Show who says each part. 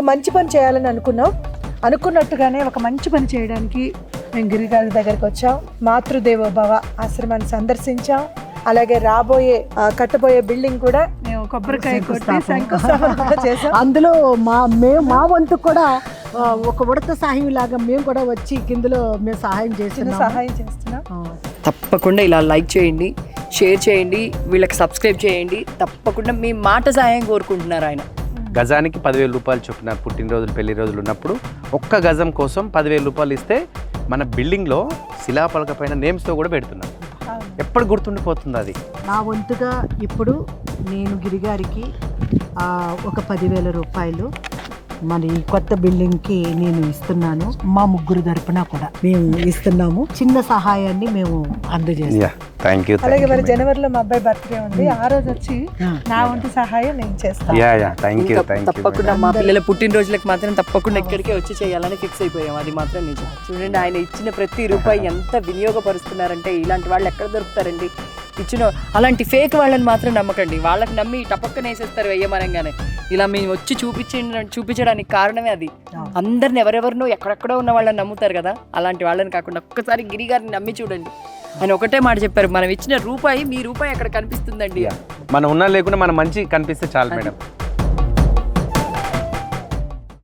Speaker 1: మంచి పని చేయాలని అనుకున్నట్టుగానే ఒక మంచి పని చేయడానికి మేము గిరిగారి దగ్గరికి వచ్చాం. మాతృదేవోభవ ఆశ్రమాన్ని సందర్శించాం. అలాగే కట్టబోయే బిల్డింగ్ కూడా మేము కొబ్బరికాయ కొట్టి శంకుస్థాపన కూడా చేసాం.
Speaker 2: అందులో మా వంతు కూడా ఒక ఉడత సహాయం లాగా మేము కూడా వచ్చి కిందలో మేము సహాయం చేస్తున్నాం.
Speaker 3: తప్పకుండా ఇలా లైక్ చేయండి, షేర్ చేయండి, వీళ్ళకి సబ్స్క్రైబ్ చేయండి. తప్పకుండా మీ మాట సహాయం కోరుకుంటున్నారు ఆయన.
Speaker 4: గజానికి 10,000 రూపాయలు చొప్పున పుట్టినరోజులు పెళ్లి రోజులు ఉన్నప్పుడు ఒక్క గజం కోసం 10,000 రూపాయలు ఇస్తే మన బిల్డింగ్లో శిలాపలక పైన నేమ్స్తో కూడా పెడుతున్నాం. ఎప్పుడు గుర్తుండిపోతుంది అది.
Speaker 2: నా వంతుగా ఇప్పుడు నేను గిరిగారికి ఒక 10,000 రూపాయలు మరి కొత్త బిల్డింగ్కి నేను ఇస్తున్నాను. మా ముగ్గురు తరపున కూడా మేము ఇస్తున్నాము. చిన్న సహాయాన్ని మేము అందజేస్తాం.
Speaker 1: అలాగే మరి జనవరిలో మా అబ్బాయి బర్త్డే ఉంది. ఆ రోజు వచ్చి నా వంతు సహాయం నేను చేస్తాను.
Speaker 3: తప్పకుండా మా పిల్లల పుట్టినరోజులకు మాత్రం తప్పకుండా ఇక్కడికే వచ్చి చేయాలని ఫిక్స్ అయిపోయాం. అది మాత్రం నిజం. చూడండి, ఆయన ఇచ్చిన ప్రతి రూపాయి ఎంత వినియోగపరుస్తున్నారంటే ఇలాంటి వాళ్ళు ఎక్కడ దొరుకుతారండి? ఇచ్చిన అలాంటి ఫేక్ వాళ్ళని మాత్రం నమ్మకండి. వాళ్ళకి నమ్మి టపక్కన వేసేస్తారు వెయ్యమనంగానే. ఇలా మేము వచ్చి చూపించడానికి కారణమే అది. అందరిని ఎవరెవరినో ఎక్కడెక్కడో ఉన్న వాళ్ళని నమ్ముతారు కదా, అలాంటి వాళ్ళని కాకుండా ఒక్కసారి గిరిగారిని నమ్మి చూడండి. ఆయన ఒకటే మాట చెప్పారు, మనం ఇచ్చిన రూపాయి మీ రూపాయి అక్కడ కనిపిస్తుందండి.
Speaker 4: మనం ఉన్నా లేకుండా మన మంచి కనిపిస్తే చాలు మేడం.